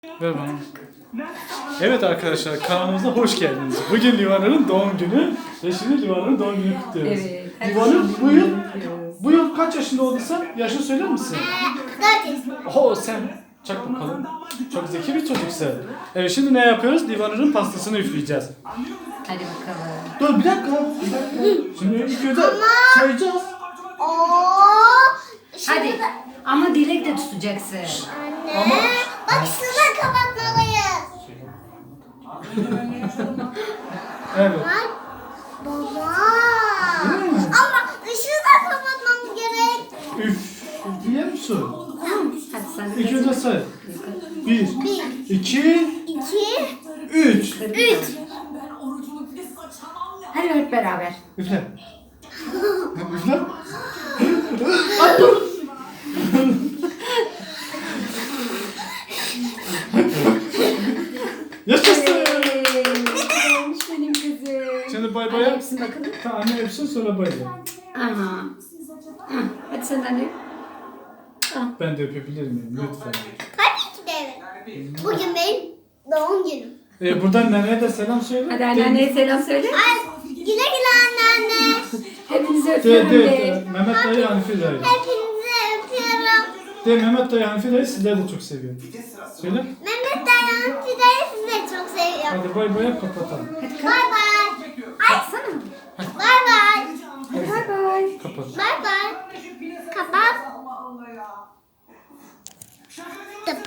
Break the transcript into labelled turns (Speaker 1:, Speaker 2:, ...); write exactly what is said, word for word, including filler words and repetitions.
Speaker 1: Ver bana. Evet arkadaşlar, kanalımıza hoş geldiniz. Bugün Livanur'un doğum günü ve şimdi Livanur'un doğum gününü kutluyoruz.
Speaker 2: Evet.
Speaker 1: Livanur bu yıl, bu yıl kaç yaşında oldun sen? Yaşını söyler misin?
Speaker 3: dört yaşında.
Speaker 1: Oo sen çak bakalım. Çok zeki bir çocuksun. Evet şimdi ne yapıyoruz? Livanur'un pastasını üfleyeceğiz.
Speaker 2: Hadi bakalım.
Speaker 1: Dur bir dakika. Bir dakika. Şimdi ilk önce sayacağız.
Speaker 3: Oo.
Speaker 2: Hadi. Ama dilek de tutacaksın.
Speaker 3: Anne.
Speaker 1: Ama-
Speaker 3: Bak şunu kapatmalıyız.
Speaker 1: Evet.
Speaker 3: Bak. Baba.
Speaker 1: Değil mi?
Speaker 3: Ama ışığı da kapatmamız gerek.
Speaker 1: Üf. Üfleyer misin?
Speaker 2: Hadi sen
Speaker 1: İlk önce say. Bir,
Speaker 3: Bir.
Speaker 1: iki,
Speaker 3: İki.
Speaker 1: üç.
Speaker 3: Üç.
Speaker 2: Hadi hep beraber.
Speaker 1: Üfle. Üfle. Yaşasın.
Speaker 2: Benim kızım.
Speaker 1: Şimdi bay bay
Speaker 2: Hadi
Speaker 1: yap.
Speaker 2: hepsini bakalım.
Speaker 1: Tamam, anne öpsün sonra bay bay.
Speaker 2: Aha. Hı, hadi sen de anne.
Speaker 1: Ben de öpebilir miyim lütfen?
Speaker 3: Tabii ki de evet. Bugün benim doğum günüm.
Speaker 1: Ee, buradan neneye de selam söyle.
Speaker 2: Hadi anneanneye selam söyle.
Speaker 3: Ay, güle güle anneanne.
Speaker 2: Hepinizi
Speaker 1: De,
Speaker 2: öpüyorum
Speaker 1: de,
Speaker 2: de.
Speaker 1: de. Mehmet dayı, Hanife dayı.
Speaker 3: Hepinizi öpüyorum.
Speaker 1: De, Mehmet dayı, Hanife dayı sizler de çok seviyor. Söyle.
Speaker 3: Mehmet Dayan Fide'yi sizi de çok seviyorum.
Speaker 1: Hadi bay bay yap, kapatalım.
Speaker 2: Hadi
Speaker 3: Bay
Speaker 2: kalk.
Speaker 3: bay.
Speaker 2: Kalksana.
Speaker 3: Bay bay.
Speaker 2: Bay bay.
Speaker 1: Kapat.
Speaker 3: Bay bay. Kapat. Tıp.